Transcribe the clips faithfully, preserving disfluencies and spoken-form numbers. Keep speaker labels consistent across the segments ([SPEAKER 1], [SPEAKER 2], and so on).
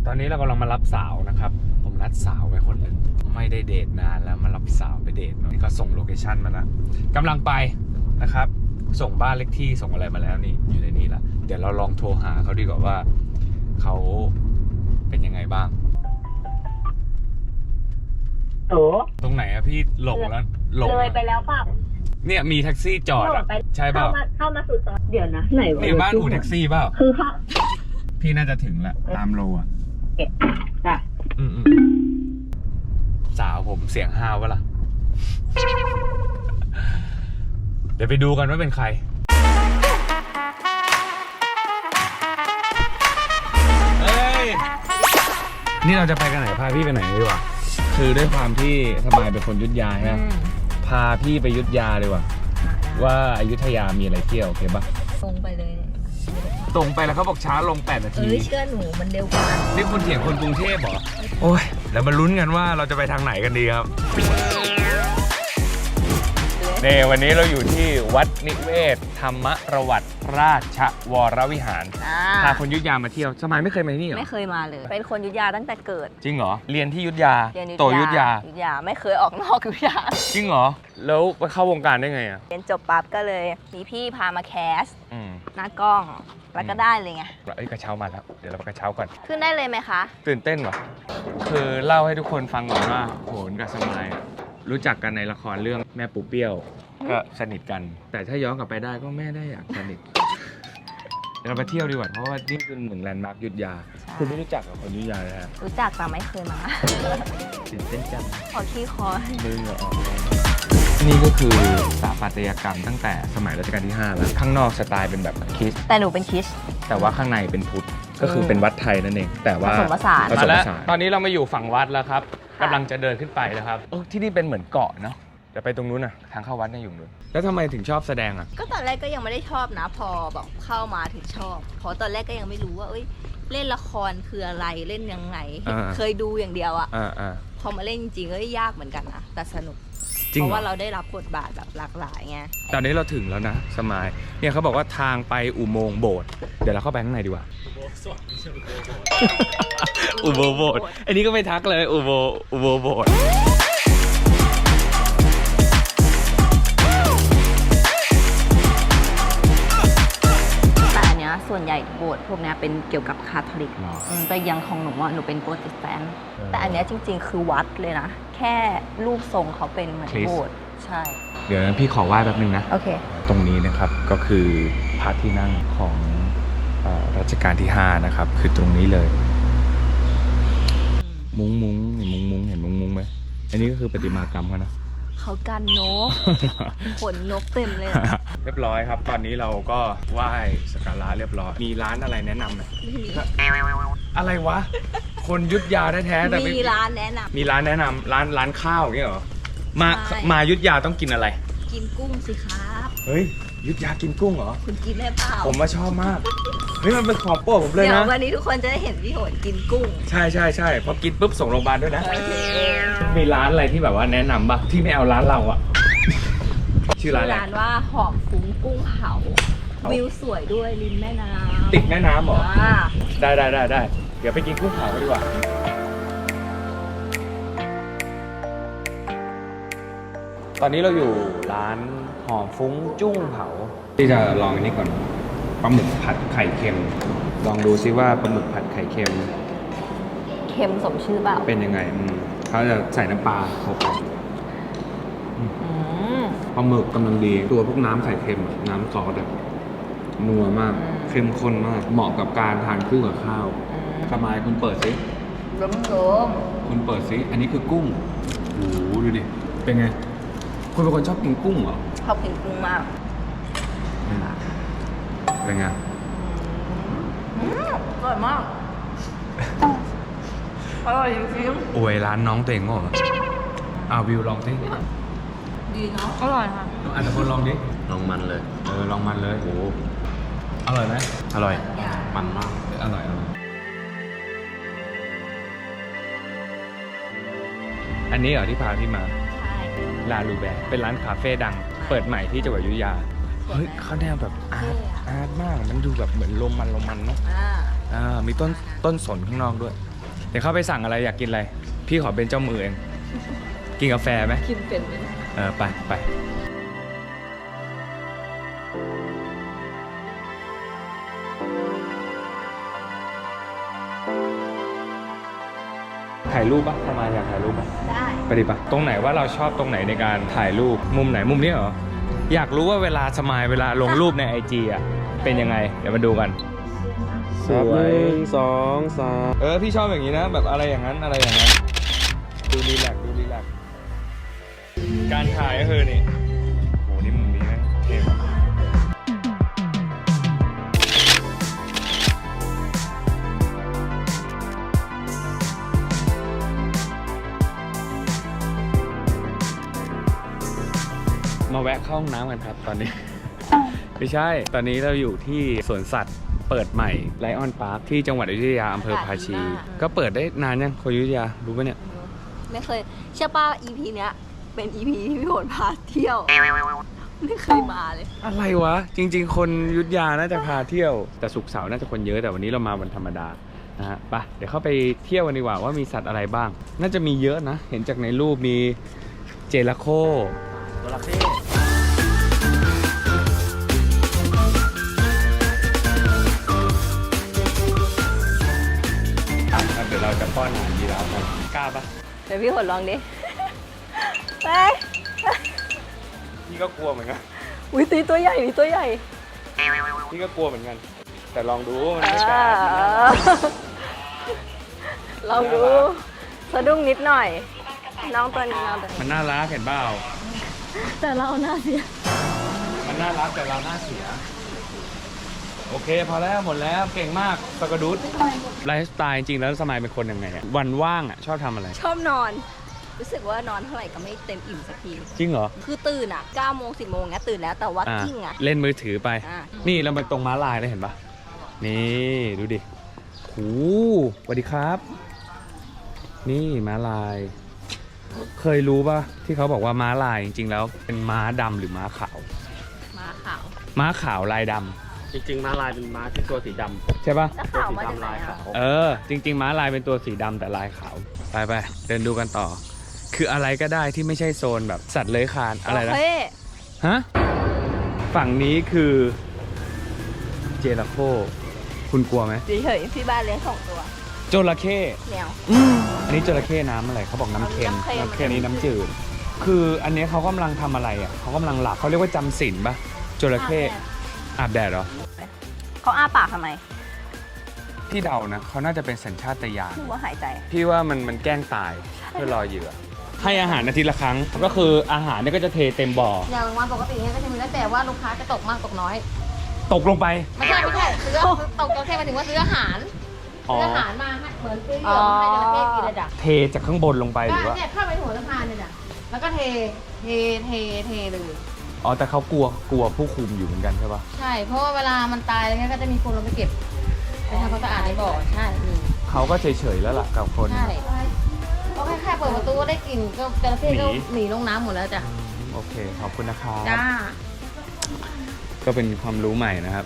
[SPEAKER 1] ตอนนี้เรากำลังมารับสาวนะครับผมนัดสาวไว้คนหนึ่งไม่ได้เดทนานแล้วมารับสาวไปเดทนี่ก็ส่งโลเคชั่นมาแล้วกำลังไปนะครับส่งบ้านเลขที่ส่งอะไรมาแล้วนี่อยู่ในนี้ละเดี๋ยวเราลองโทรหาเขาดีกว่าว่าเขาเป็นยังไงบ้าง
[SPEAKER 2] โอ้
[SPEAKER 1] ตรงไหนอะพี่หลงแล้วหลง
[SPEAKER 2] เลยไปแล้วเปล่า
[SPEAKER 1] เนี่ยมีแท็กซี่จอดอะใช่เปล่า
[SPEAKER 2] เข้ามาเข้ามาสู่ซอยเดี๋ยวนะไหนวะ
[SPEAKER 1] นี่บ้านอู่แท็กซี่เปล่า
[SPEAKER 2] คือค่ะ
[SPEAKER 1] พี่น่าจะถึงแล้วตามโลอะ
[SPEAKER 2] เก็บจ้ะ
[SPEAKER 1] อืมสาวผมเสียงห้าวปะล่ะ เดี๋ยวไปดูกันว่าเป็นใครเฮ้ยนี่เราจะไปกันไหนพาพี่ไปไหนดีวะคือด้วยความที่สบายเป็นคนอยุธยาใช่ไหมพาพี่ไปอยุธยาดีกว่าว่าอยุธยามีอะไรเที่ยวโอเคปะ
[SPEAKER 3] ตรงไปเลย
[SPEAKER 1] ตรงไปแล้วเขาบอกช้าลงแปดนา
[SPEAKER 3] เอ
[SPEAKER 1] ที
[SPEAKER 3] อเชื่อหนูมันเร็วกว่า
[SPEAKER 1] นี่คนเถียงคนกรุงเทพเหรอโอ้ยแล้วมาลุ้นกันว่าเราจะไปทางไหนกันดีครับเนี่ยวันนี้เราอยู่ที่วัดนิเวศธรรมประวัติราชวรวิหารพาคนอยุธยามาเที่ยวสมัยไม่เคยมาที่นี่เหรอ
[SPEAKER 3] ไม่เคยมาเลย เป็นคนอยุธยาตั้งแต่เกิด
[SPEAKER 1] จริงเหรอเรียนที่อยุธยา
[SPEAKER 3] เรียน
[SPEAKER 1] โตอยุธยา
[SPEAKER 3] อยุธยาไม่เคยออกนอกอยุธยา
[SPEAKER 1] จริงเหรอแล้วไปเข้าวงการได้ไงอ่ะ
[SPEAKER 3] เรียนจบปั๊บก็เลยมีพี่พามาแคส
[SPEAKER 1] อืม
[SPEAKER 3] หน้ากล้องแล้วก็ได้เลยไง
[SPEAKER 1] เอ้ยกระเช้ามาแล้วเดี๋ยวเราไปกระเช้าก่อน
[SPEAKER 3] ขึ้นได้เลยไหมคะ
[SPEAKER 1] ตื่นเต้นว่ะคือเล่าให้ทุกคนฟังก่อนว่าโหนกับสมัยอะรู้จักกันในละครเรื่องแม่ปูเปี้ยวก็สนิทกัน แต่ถ้าย้อนกลับไปได้ก็แม่ได้อยากสนิทเดี๋ยวเราไปเที่ยวดีกว่าเพราะว่านี่คือหนึ่งแลนด์มาร์คอยุธยาคุณไม่รู้จักกับคนอยุธยาเลยฮะ
[SPEAKER 3] รู้จักแต่ไม่เคยมา
[SPEAKER 1] ตื่นเต้นจัง
[SPEAKER 3] ขอขี้คอ
[SPEAKER 1] มือเหงื่อออกเลยนี่ก็คือสถาปัตยกรรมตั้งแต่สมัยรัชกาลที่ห้าแล้วข้างนอกสไตล์เป็นแบบคริสต์
[SPEAKER 3] แต่หนูเป็นคริส
[SPEAKER 1] แต่ว่าข้างในเป็นพุทธก็คือเป็นวัดไทยนั่นเองแต่ว่า
[SPEAKER 3] ผสมผสาน
[SPEAKER 1] ผสมผสานตอนนี้เรามาอยู่ฝั่งวัดแล้วครับกำลังจะเดินขึ้นไปนะครับเออที่นี่เป็นเหมือนเกาะเนาะเดี๋ยวไปตรงนู้นนะทางเข้าวัดเนี่ยอยู่นู้นแล้วทำไมถึงชอบแสดงอ่ะ
[SPEAKER 3] ก็ตอนแรกก็ยังไม่ได้ชอบนะ พอแบบเข้ามาถึงชอบเพราะตอนแรกก็ยังไม่รู้ว่าเอ้ยเล่นละครคืออะไรเล่นยังไง
[SPEAKER 1] อ่า
[SPEAKER 3] เคยดูอย่างเดียวอะ
[SPEAKER 1] อ่าอ่า
[SPEAKER 3] พอมาเล่นจริงๆก็ยากเหมือนกันนะแต่สนุก
[SPEAKER 1] จริง
[SPEAKER 3] เพ
[SPEAKER 1] เหรอ
[SPEAKER 3] ราะว่าเราได้รับบทบาทแบบหลากหลายไง
[SPEAKER 1] ตอนนี้เราถึงแล้วนะสมายเนี่ยเขาบอกว่าทางไปอุโมงค์โบสถ์เดี๋ยวเราเข้าไปข้างในดีกว่าอุโมงค์โบสถ์อันนี้ก็ไม่ทักเลยอุโมงค์อุโมงค์โบสถ์
[SPEAKER 3] แต่อันเนี้ยส่วนใหญ่โบสถ์พวกเนี้ยเป็นเกี่ยวกับคาทอลิกอืมแต่อยังของหนูอ่ะหนูเป็นโปรเตสแตนต์แต่อันเนี้ยจริงๆคือวัดเลยนะแค่รูปทรงเขาเป็นเหมือนโบสถ์ใช่
[SPEAKER 1] เดี๋ยวนะพี่ขอไหว้แป๊บนึงนะ
[SPEAKER 3] โอเค
[SPEAKER 1] ตรงนี้นะครับก็คือพระที่นั่งของเอ่อรัชกาลที่ห้านะครับคือตรงนี้เลย มุ้งมุ้งเห็นมุ้งมุ้งเห็นมุ้งมุ้งไหมอันนี้ก็คือประติมากรรมเขานะ
[SPEAKER 3] เขากันนก ขนนกเต็มเลยอะ
[SPEAKER 1] เรียบร้อยครับ ตอนนี้เราก็ไหว้สักการะเรียบร้อยมีร้านอะไรแนะนำไหมอะไรวะ คนยุทธยาแท้ๆแต่ไ
[SPEAKER 3] มีร้านแนะน
[SPEAKER 1] มีร้านแนะนำร้านร้านข้าวอย่างเงี้ยเหรอมา
[SPEAKER 3] ใช่
[SPEAKER 1] มายุทธยาต้องกินอะไร
[SPEAKER 3] ำกินกุ้งสิครับ
[SPEAKER 1] เฮ้ยยุทธยากินกุ้งเหรอ
[SPEAKER 3] คุณกินได้เปล่า
[SPEAKER 1] ผมมาชอบมากเฮ้ยมันเป็นของโปรดผมเลย
[SPEAKER 3] เดี๋ยว
[SPEAKER 1] นะ
[SPEAKER 3] วันนี้ทุกคนจะได้เห็นพี่โหนกินกุ้ง
[SPEAKER 1] ใช่ใช่ใช่พอกินปุ๊บส่งโรงพยาบาลด้วยนะ
[SPEAKER 3] โอเค
[SPEAKER 1] มีร้านอะไรที่แบบว่าแนะนำป่ะที่ไม่เอาร้านเราอะชื่อร้านอะไร
[SPEAKER 3] ร้านว่าหอมฟุ้งกุ้งเผาวิวสวยด้วยริมแม่น้ำ
[SPEAKER 1] ติดแม่น้ำเหรอ
[SPEAKER 3] อ่า
[SPEAKER 1] ได้ได้ได้ได้เดี๋ยวไปกินกุ้งเผากันดีกว่าตอนนี้เราอยู่ร้านหอมฟุ้งจุ้งเผาที่จะลองอันนี้ก่อนปลาหมึกผัดไข่เค็ม ลองดูซิว่าปลาหมึกผัดไข่เค็ม
[SPEAKER 3] เค็มสมชื่อเปล่า
[SPEAKER 1] เป็นยังไงอืมเขาจะใส่น้ำปลาเข้าไป
[SPEAKER 3] อืม
[SPEAKER 1] ปลาหมึกกำลังดีตัวพวกน้ำไข่เค็มอะน้ำซอสอะนัวมาก
[SPEAKER 3] อืม
[SPEAKER 1] เข้มข้นมาก เหมาะกับการทานคู่กับข้าวสมายคุณเปิดซิ
[SPEAKER 3] ล้มโลม
[SPEAKER 1] คุณเปิดซิอันนี้คือกุ้งโอ้โหดูดิเป็นไงคุณเป็นคนชอบกินกุ้งเหรอ
[SPEAKER 3] ชอบกินกุ้งมาก
[SPEAKER 1] เป็นไง
[SPEAKER 3] อืมอร่อยมากอร่อยจริง
[SPEAKER 1] อวยร้านน้องตัวเองก็เหรออ่าวิวลองสิ
[SPEAKER 3] ๆดีเนาะอร่อยค่ะ
[SPEAKER 1] อาจจะคนลองดิ
[SPEAKER 4] ลองมันเลย
[SPEAKER 1] เออลองมันเลยโอ้อร่อยไหม
[SPEAKER 4] อร่อย มันมาก
[SPEAKER 1] อร่อยอร่อยอันนี้เหรอที่พาพี่มา
[SPEAKER 3] ใช่
[SPEAKER 1] ลาลูแบร์เป็นร้านคาเฟ่ดัง เปิดใหม่ที่จังหวัดอยุธยา เฮ้ยเขาแนวแบบอาร์ตอาร์ตมาก มันดูแบบเหมือนโรมันโรมันเนาะ
[SPEAKER 3] อ่า
[SPEAKER 1] อ่ามีต้นต้นสนข้างนอกด้วยดี๋ยวเข้าไปสั่งอะไรอยากกินอะไร พี่ขอเป็นเจ้ามือเอง กินกาแฟไหม
[SPEAKER 3] กินเป็นไหม
[SPEAKER 1] เออ ไปไปถ่ายรูปปะประมาณอยากถ่ายรูปปะ
[SPEAKER 3] ได้
[SPEAKER 1] ไปดิปะตรงไหนว่าเราชอบตรงไหนในการถ่ายรูป มุมไหนมุมนี้เหรอ อยากรู้ว่าเวลาสมายเวลาลงรูปในไอจีอ่ะ เป็นยังไง เดี๋ยวมาดูกัน ส
[SPEAKER 4] ครับ
[SPEAKER 1] ว
[SPEAKER 4] ห
[SPEAKER 1] ย
[SPEAKER 4] นึ่งสองสาม
[SPEAKER 1] เออ พี่ชอบอย่างนี้นะ แบบอะไรอย่างนั้นอะไรอย่างนั้น ดูรีแลกซ์ดูรีแลกซ์การถ่ายก็คือนี่โหนี่มุมนี้นะเท่มากมาแวะเข้าห้องน้ำกันครับตอนนี้ ไม่ใช่ ตอนนี้เราอยู่ที่สวนสัตว์เปิดใหม่ไลออนพาร์คที่จังหวัดอยุธยาอำเภอภาชี ก็เปิดได้นานยังคนอยุธยารู้ปะเนี่ย
[SPEAKER 3] ไม่เคยเชื่อป่ะ อี พี เนี้ยเป็น อี พี ที่พี่โหนพาเที่ยว ไม่เคยมาเลย
[SPEAKER 1] อะไรวะ จริง ๆ คนอยุธยาน่าจะพาเที่ยว แต่ศุกร์เสาร์น่าจะคนเยอะแต่วันนี้เรามาวันธรรมดานะฮะไปเดี๋ยวเข้าไปเที่ยวกันดีกว่าว่ามีสัตว์อะไรบ้าง น่าจะมีเยอะนะ เห็นจากในรูปมีเจลาโค
[SPEAKER 4] ตัวละเท่
[SPEAKER 1] อ่ะครับเดี๋ยวเราจะป้อนอาหารยีราฟกันกล้าปะ
[SPEAKER 3] เดี๋ยวพี่โหนลองดิ ไป
[SPEAKER 1] พี่ก็กลัวเหมือนกัน
[SPEAKER 3] อุ้ยตีตัวใหญ่ตีตัวใหญ่
[SPEAKER 1] พี่ก็กลัวเหมือนกัน แต่ลองดูมัน
[SPEAKER 3] เอ
[SPEAKER 1] ไม่กล้า
[SPEAKER 3] อลองดูสะดุ้งนิดหน่อย น้องตัวนี้น้องตัวนี้
[SPEAKER 1] มันน่ารักเห็นเปล่า
[SPEAKER 3] แต่เราหน้าเสีย
[SPEAKER 1] มันน่ารักแต่เราหน้าเสีย โอเคพอแล้วหมดแล้วเก่งมากปากกระดุดไลฟ์สไตล์จริงๆแล้วสมัยเป็นคนยังไงอะวันว่างอ่ะชอบทำอะไร
[SPEAKER 3] ชอบนอน รู้สึกว่านอนเท่าไหร่ก็ไม่เต็มอิ่มสักที
[SPEAKER 1] จริงเหรอ
[SPEAKER 3] คือตื่นอ่ะเก้าโมงสิบโมงเงี้ยตื่นแล้วแต่ว่า
[SPEAKER 1] อ่ะ
[SPEAKER 3] กิ้งอ่ะ
[SPEAKER 1] เล่นมือถือไป
[SPEAKER 3] อ่ะ
[SPEAKER 1] นี่เรามาตรงม้าลายเลยเห็นปะนี่ดูดิโหสวัสดีครับ นี่ม้าลาย เคยรู้ปะที่เขาบอกว่าม้าลายจริงๆแล้วเป็นม้าดำหรือม้าขาว
[SPEAKER 3] ม้าขาว
[SPEAKER 1] ม้าขาวลายดำ
[SPEAKER 4] จริงๆม้าลายเป็นม้าที่ตัวสีด
[SPEAKER 1] ใช่ปะ
[SPEAKER 3] แล้ว
[SPEAKER 4] ำตัว
[SPEAKER 3] ขาว
[SPEAKER 4] สี
[SPEAKER 3] มาจาก
[SPEAKER 4] ดำ
[SPEAKER 3] ไหน
[SPEAKER 4] ลาย
[SPEAKER 3] อ่ะ
[SPEAKER 4] ขาว
[SPEAKER 1] เออ จริง ๆ ม้าลายเป็นตัวสีดำแต่ลายขาว ไปไปเดินดูกันต่อ คืออะไรก็ได้ที่ไม่ใช่โซนแบบสัตว์เลื้อยคลานอะไรนะ
[SPEAKER 3] โอเค
[SPEAKER 1] ฮะ ฝั่งนี้คือเจราโคคุณกลัวไหม
[SPEAKER 3] เฉยๆพี่บ้านเลี้ยงสองตัว
[SPEAKER 1] จระเข้
[SPEAKER 3] แมว
[SPEAKER 1] อันนี้จระเข้น้ำอะไรเขาบอกน้ำเค็ม
[SPEAKER 3] น้ำเค็ม
[SPEAKER 1] น้ำเค็มนี้น้ำจืด คืออันนี้เขากำลังทำอะไรอ่ะเขากำลังหลับเขาเรียกว่าจำศีลปะจระเข้อาบแดดเหรอ
[SPEAKER 3] เขาอ้าปากทำไม
[SPEAKER 1] พี่เดานะเขาน่าจะเป็นสัญชาตญาณ
[SPEAKER 3] คือว่าหายใจ
[SPEAKER 1] พี่ว่ามันมันแกล้งตายเพื่อรอเหยื่อให้อาหารอาทิตย์ละครั้ง ก็คืออาหารเนี่ยก็จะเทเต็มบ่อ
[SPEAKER 5] อย่างวันปกติเนี่ยก็จะมีแล้วแต่ว่าลูกค้าจะตกมากตกน้อย
[SPEAKER 1] ตกลงไป
[SPEAKER 5] ไม่ใช่ไม่ใช่ซื้อตกจระเข้หมายถึงว่าซื้ออาหาร
[SPEAKER 1] อ๋อ
[SPEAKER 5] ซื้ออาหารมาให้เหมือนซื้อเหยื่อมาให้จระเข้กินเลยจ้ะ
[SPEAKER 1] เทจากข้างบนลงไปห
[SPEAKER 5] ก็
[SPEAKER 1] รือว่า
[SPEAKER 5] เนี่ยเข้าไปหัวสะพานเนี่ยจ้ะแล้วก็เทเทเทเทเลย
[SPEAKER 1] อ๋อแต่เขากลัวกลัวผู้คุมอยู่เหมือนกันใช่ปะ
[SPEAKER 5] ใช่ เพราะว่าเวลามันตายอะไรเงี้ยก็จะมีคนลงไปเก็บไปทำความสะอาดในบ่อใช่มี
[SPEAKER 1] เขาก็เฉยๆแล้วล่ะกับคน
[SPEAKER 5] ใช่ก็แค่แค่เปิดประตูก็ได้กลิ่นก็จระเข้ก็
[SPEAKER 1] หนี
[SPEAKER 5] หนีลงน้ำหมดแล้วจ้ะ
[SPEAKER 1] โอเคขอบคุณนะครับ
[SPEAKER 5] จ้า
[SPEAKER 1] ก็เป็นความรู้ใหม่นะครับ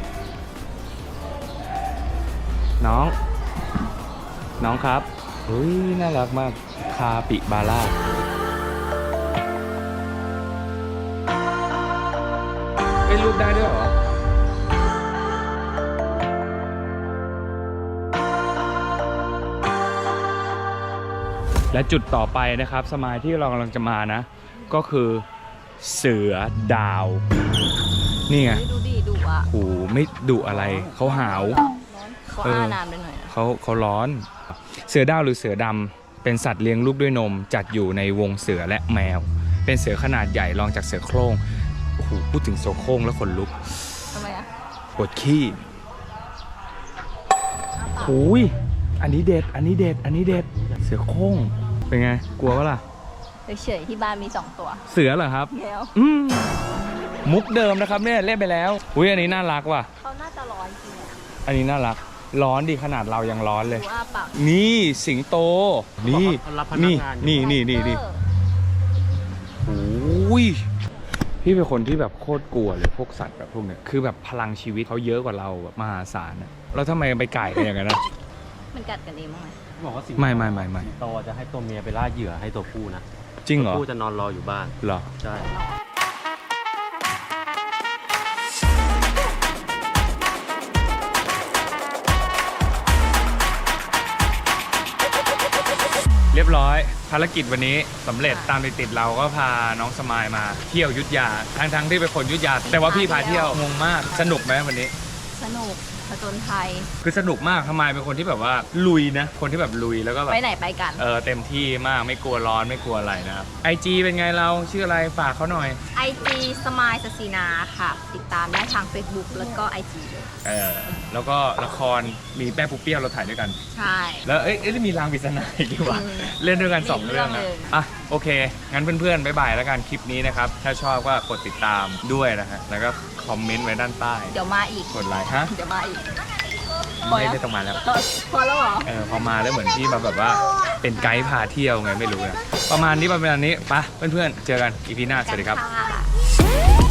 [SPEAKER 1] น้อง น้องครับอุ้ยน่ารักมากคาปิบาร่าเอ้ยรูปได้ด้วยเหรอ และจุดต่อไปนะครับสมายที่เรากำลังจะมานะ ก็คือเสือดาว นี่ไง
[SPEAKER 3] เฮ้ยดูดิดุอ่ะ
[SPEAKER 1] โหไม่ดุอะไรเขาหาว
[SPEAKER 3] เขาอ้านานไปหน่อยนะ
[SPEAKER 1] เขาเขาร้อน เสือดาวหรือเสือดำเป็นสัตว์เลี้ยงลูกด้วยนมจัดอยู่ในวงเสือและแมว เป็นเสือขนาดใหญ่รองจากเสือโคร่งโอ้โหพูดถึงเสือโคร่งแล้วขนลุก
[SPEAKER 3] ทำไมอ่ะ
[SPEAKER 1] ปวดขี้หูยอันนี้เด็ด อันนี้เด็ด อันนี้เด็ด เสือโคร่งเป็นไง กลัวปะล่ะ
[SPEAKER 3] เฉยๆที่บ้านมีสองตัว
[SPEAKER 1] เสือเหรอครับ
[SPEAKER 3] แมว
[SPEAKER 1] อืมมุกเดิมนะครับเนี่ยเล่นไปแล้วอุ้ยอันนี้น่ารักว่ะ
[SPEAKER 3] เขาน่าจะร้อนจริงอ่ะ
[SPEAKER 1] อันนี้น่ารัก ร้อนดีขนาดเรายังร้อนเลย
[SPEAKER 3] ดูอ้าปาก
[SPEAKER 1] นี่สิงโต นี่
[SPEAKER 4] เขารับพนัก
[SPEAKER 1] นี่
[SPEAKER 4] งานอยู่
[SPEAKER 1] นี่นี่นี่นี่
[SPEAKER 3] เออ
[SPEAKER 1] โอ้ยพี่เป็นคนที่แบบโคตรกลัวเลยพวกสัตว์แบบพวกเนี้ยคือแบบพลังชีวิตเขาเยอะกว่าเราแบบมหาศาลอะแล้วทำไมไปไก่กันอย่างนั้นนะ
[SPEAKER 3] มันกัดกันเองมั้งไหม
[SPEAKER 4] บอกว่าสิง
[SPEAKER 1] ไม่ไม่ไม่ไม่
[SPEAKER 4] สิงโตจะให้ตัวเมียไปล่าเหยื่อให้ตัวผู้นะ
[SPEAKER 1] จริงเหร
[SPEAKER 4] ตั
[SPEAKER 1] อ
[SPEAKER 4] วผู้จะนอนรออยู่บ้าน
[SPEAKER 1] เหรอ
[SPEAKER 4] ใช่
[SPEAKER 1] เรียบร้อยภารกิจวันนี้สำเร็จตามติดๆเราก็พาน้องสมายมาเที่ยวอยุทธยาทั้งทั้งๆที่เป็นคนอยุทธยาแต่ว่าพี่พาเที่ยวงงมากสนุกไหมวันนี้
[SPEAKER 3] สนุกผจญไทย
[SPEAKER 1] คือสนุกมากทำไมเป็นคนที่แบบว่าลุยนะ คนที่แบบลุยแล้วก็แบบ
[SPEAKER 3] ไปไหนไปกัน
[SPEAKER 1] เออเต็มที่มากไม่กลัวร้อนไม่กลัวอะไรนะครับไอจีเป็นไงเราชื่ออะไรฝากเขาหน่อย
[SPEAKER 3] ไอจีสมายสสีนาค่ะ ติดตามได้ทาง Facebook แล้วก็ ไอ จี เลย
[SPEAKER 1] เออแล้วก็ละครมีแป้ปุ๊เปี้ยวเราถ่ายด้วยกัน
[SPEAKER 3] ใช่
[SPEAKER 1] แล้วเอ้ยเอ้ยมีรางปริศนาอีกดีกว่า
[SPEAKER 3] อืม
[SPEAKER 1] เล่นด้วยกันสอง
[SPEAKER 3] มี
[SPEAKER 1] เรื่อง
[SPEAKER 3] เรื่
[SPEAKER 1] นะ
[SPEAKER 3] องเลย
[SPEAKER 1] อ่ะโอเค งั้นเพื่อนๆบ๊ายบายแล้วกันคลิปนี้นะครับถ้าชอบก็กดติดตามด้วยนะฮะแล้วก็คอมเมนต์ไว้ด้านใต้
[SPEAKER 3] เดี๋ยวมาอีก
[SPEAKER 1] กดไลค์ฮะ
[SPEAKER 3] เดี๋ยวมาอีก
[SPEAKER 1] ไม่ได้ต้องมาแล้ว
[SPEAKER 3] เออพอแล้วเหรอ
[SPEAKER 1] เออพอมาแล้วเหมือนที่มาแบบว่าเป็นไกด์พาเที่ยวไงไม่รู้นะประมาณนี้ประมาณนี้ไปะเพื่อนๆ เจอกันอีพีหน้า สวัสดีครับ
[SPEAKER 3] กันค่ะ